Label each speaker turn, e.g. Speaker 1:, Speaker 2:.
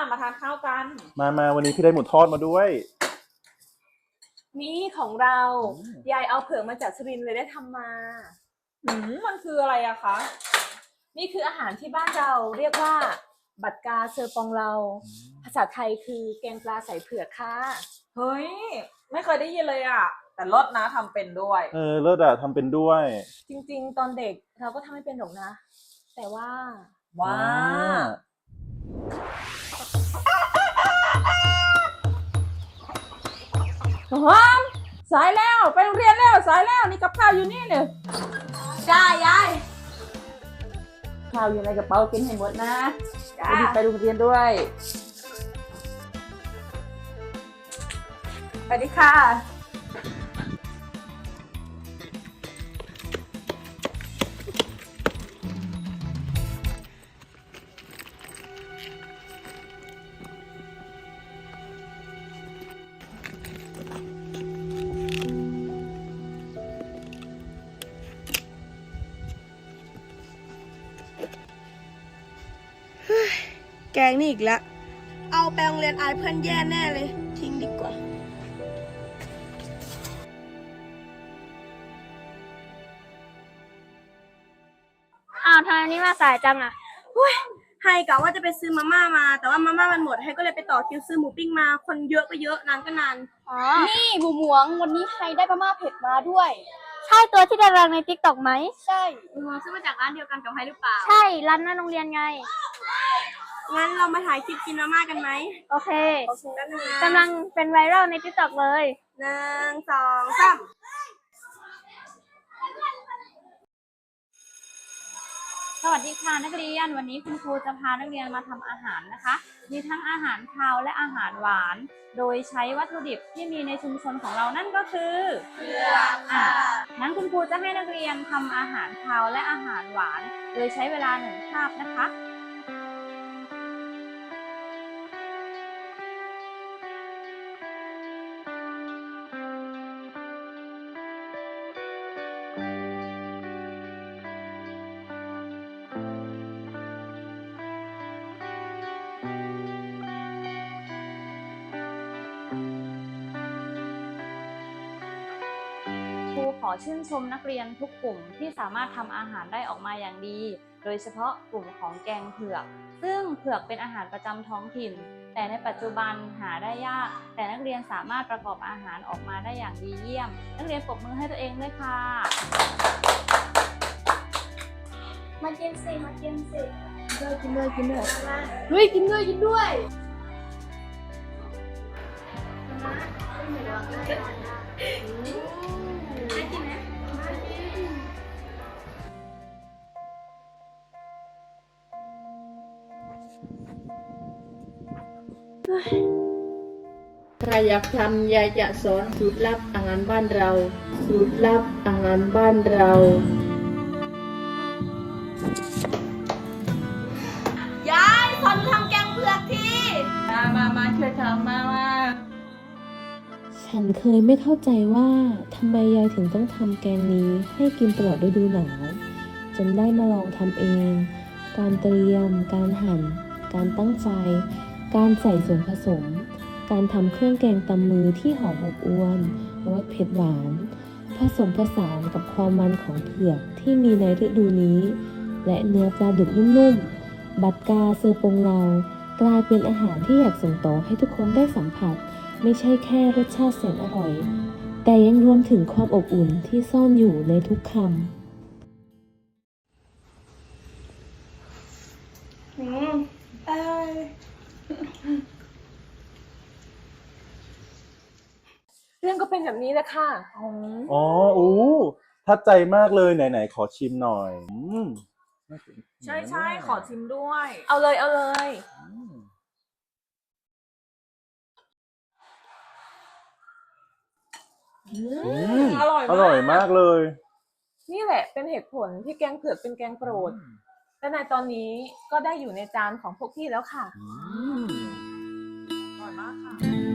Speaker 1: มาทานข้าวกัน
Speaker 2: มาวันนี้พี่ได้หมูทอดมาด้วย
Speaker 3: นี่ของเรายายเอาเผือกมาจากสุรินทร์เลยได้ทำมา
Speaker 1: มันคืออะไรอะคะ
Speaker 3: นี่คืออาหารที่บ้านเราเรียกว่าบัดกาเซอร์ปองเราภาษาไทยคือแกงปลาใส่เผือกค่ะ
Speaker 1: เฮ้ยไม่เคยได้ยินเลยอะแต่รสนะทำเป็นด้วย
Speaker 2: เลิศอะทำเป็นด้วย
Speaker 3: จริงๆตอนเด็กเราก็ทำไม่เป็นหรอกนะแต่ว่า
Speaker 1: หอมสายแล้วไปโรงเรียนแล้วสายแล้วนี่กับข้าวอยู่นี่เนี่ย
Speaker 3: จ้ายาย
Speaker 1: ข้าวอยู่ในกระเป๋ากินให้หมดนะ
Speaker 3: จ้า
Speaker 1: ไปโรงเรียนด้วย
Speaker 3: สวัสดีค่ะ
Speaker 4: แกงนี่อีกแล้วเอาไปโรงเรียนอายเพื่อนแย่แน่เลย ทิ้งดีกว่า
Speaker 5: อ้าวทำไมนี่มาสายจังอ่ะ
Speaker 4: ไฮกะว่าจะไปซื้อมาม่ามา แต่ว่ามาม่ามันหมดไฮก็เลยไปต่อคิวซื้อหมูปิ้งมา คนเยอะก็เยอะนานก็นาน
Speaker 5: นี่หมูหมวงวันนี้ใครได้มาม่าเผ็ดมาด้วย ใช่ตัวที่ดังในติ๊กต็อกไหมใช่
Speaker 4: หมูซื้อมาจากร้านเดียวกันกับไฮหรือเปล่า
Speaker 5: ใช่ร้านหน้าโรงเรียนไง
Speaker 4: งั้นเรามาถ่ายคลิปกินมาม่ากันไหม
Speaker 5: โอเค
Speaker 4: แป๊บนึงนะ
Speaker 5: กำลังเป็นไวรัลในติ๊กต็อกเลย
Speaker 4: 1 2 3
Speaker 6: สวัสดีค่ะนักเรียนวันนี้คุณครูจะพานักเรียนมาทำอาหารนะคะมีทั้งอาหารคาวและอาหารหวานโดยใช้วัตถุดิบที่มีในชุมชนของเรานั่นก็คือเผือกงั้นคุณครูจะให้นักเรียนทำอาหารคาวและอาหารหวานโดยใช้เวลา1 คาบนะคะครูขอชื่นชมนักเรียนทุกกลุ่มที่สามารถทำอาหารได้ออกมาอย่างดี โดยเฉพาะกลุ่มของแกงเผือกซึ่งเผือกเป็นอาหารประจำท้องถิ่นแต่ในปัจจุบันหาได้ยากแต่นักเรียนสามารถประกอบอาหารออกมาได้อย่างดีเยี่ยมนักเรียนปรบมือให้ตัวเองด้วยค่ะ
Speaker 5: มากินสิมากินสิ
Speaker 4: กินด้วยเฮ้ยกินด้วย
Speaker 7: ถ้าอยากทำยายจะสอนสูตรลับอาหารบ้านเราสูตรลับอาหารบ้านเรา
Speaker 4: ยายสอนทำแกงเผือกที
Speaker 1: มาช่วยทำมา
Speaker 8: ฉันเคยไม่เข้าใจว่าทำไมยายถึงต้องทำแกงนี้ให้กินตลอดฤดูหนาวจนได้มาลองทำเอง การเตรียม การหั่น การตั้งไฟ การใส่ส่วนผสม การทำเครื่องแกงตำมือที่หอมอบอวลรสเผ็ดหวาน ผสมผสานกับความมันของเผือกที่มีในฤดูนี้ และเนื้อปลาดุกนุ่มๆ บัดกาเซอร์ปงเรากลายเป็นอาหารที่อยากส่งต่อให้ทุกคนได้สัมผัสไม่ใช่แค่รสชาติแสนอร่อยแต่ยังรวมถึงความอบอุ่นที่ซ่อนอยู่ในทุกคำ
Speaker 3: เรื่องก็เป็นแบบนี้แหละค่ะ
Speaker 2: อ๋อทัดใจมากเลยไหนขอชิมหน่อย
Speaker 1: ใช่ขอชิมด้วย
Speaker 3: เอาเลย
Speaker 1: อร่อย
Speaker 2: อร่อยมากเลย
Speaker 3: นี่แหละเป็นเหตุผลที่แกงเผือกเป็นแกงโปรดและในตอนนี้ก็ได้อยู่ในจานของพวกพี่แล้วค่ะ
Speaker 1: อร่อยมากค่ะ